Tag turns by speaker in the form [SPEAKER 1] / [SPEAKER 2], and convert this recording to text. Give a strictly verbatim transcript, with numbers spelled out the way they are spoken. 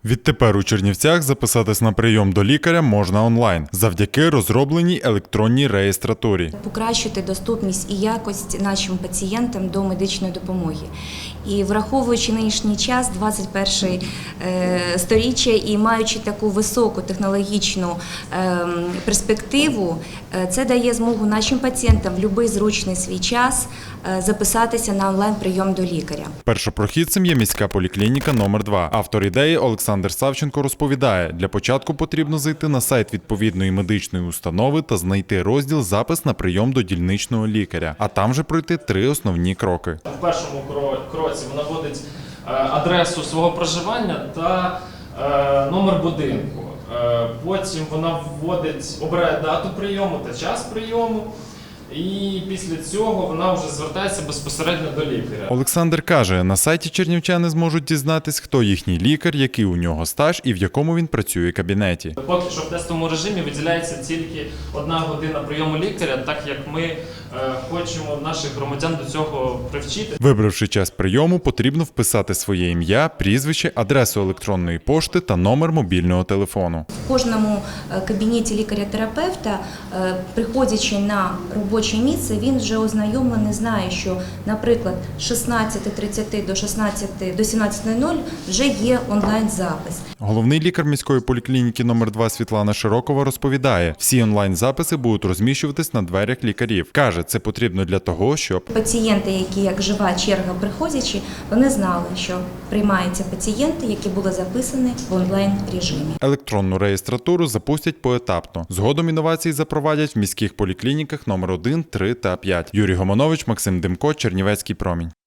[SPEAKER 1] Відтепер у Чернівцях записатись на прийом до лікаря можна онлайн завдяки розробленій електронній реєстратурі.
[SPEAKER 2] Покращити доступність і якість нашим пацієнтам до медичної допомоги. І враховуючи нинішній час, двадцять перше сторіччя, і маючи таку високу технологічну перспективу, це дає змогу нашим пацієнтам в будь-який зручний свій час записатися на онлайн-прийом до лікаря.
[SPEAKER 1] Першопрохідцем є міська поліклініка номер два. Автор ідеї Олександр Савченко розповідає, для початку потрібно зайти на сайт відповідної медичної установи та знайти розділ «Запис на прийом до дільничного лікаря», а там же пройти три основні кроки.
[SPEAKER 3] В першому кроці вона вводить адресу свого проживання та номер будинку. Потім вона вводить, обирає дату прийому та час прийому. І після цього вона вже звертається безпосередньо до лікаря.
[SPEAKER 1] Олександр каже, на сайті чернівчани зможуть дізнатись, хто їхній лікар, який у нього стаж і в якому він працює кабінеті.
[SPEAKER 3] Поки що в тестовому режимі виділяється тільки одна година прийому лікаря, так як ми е, хочемо наших громадян до цього привчити.
[SPEAKER 1] Вибравши час прийому, потрібно вписати своє ім'я, прізвище, адресу електронної пошти та номер мобільного телефону.
[SPEAKER 2] В кожному кабінеті лікаря-терапевта, приходячи на робоче місце, він вже ознайомлений, знає, що, наприклад, з шістнадцяти тридцяти до шістнадцяти до сімнадцяти нуль нуль вже є онлайн-запис.
[SPEAKER 1] Головний лікар міської поліклініки номер два Світлана Широкова розповідає, всі онлайн-записи будуть розміщуватись на дверях лікарів. Каже, це потрібно для того, щоб
[SPEAKER 2] пацієнти, які як жива черга приходячи, вони знали, що приймаються пацієнти, які були записані в онлайн-режимі.
[SPEAKER 1] Електронну реєстратуру запустять поетапно. Згодом інновації запровадять в міських поліклініках номер один, три та п'ять. Юрій Гомонович, Максим Демко, Чернівецький промінь.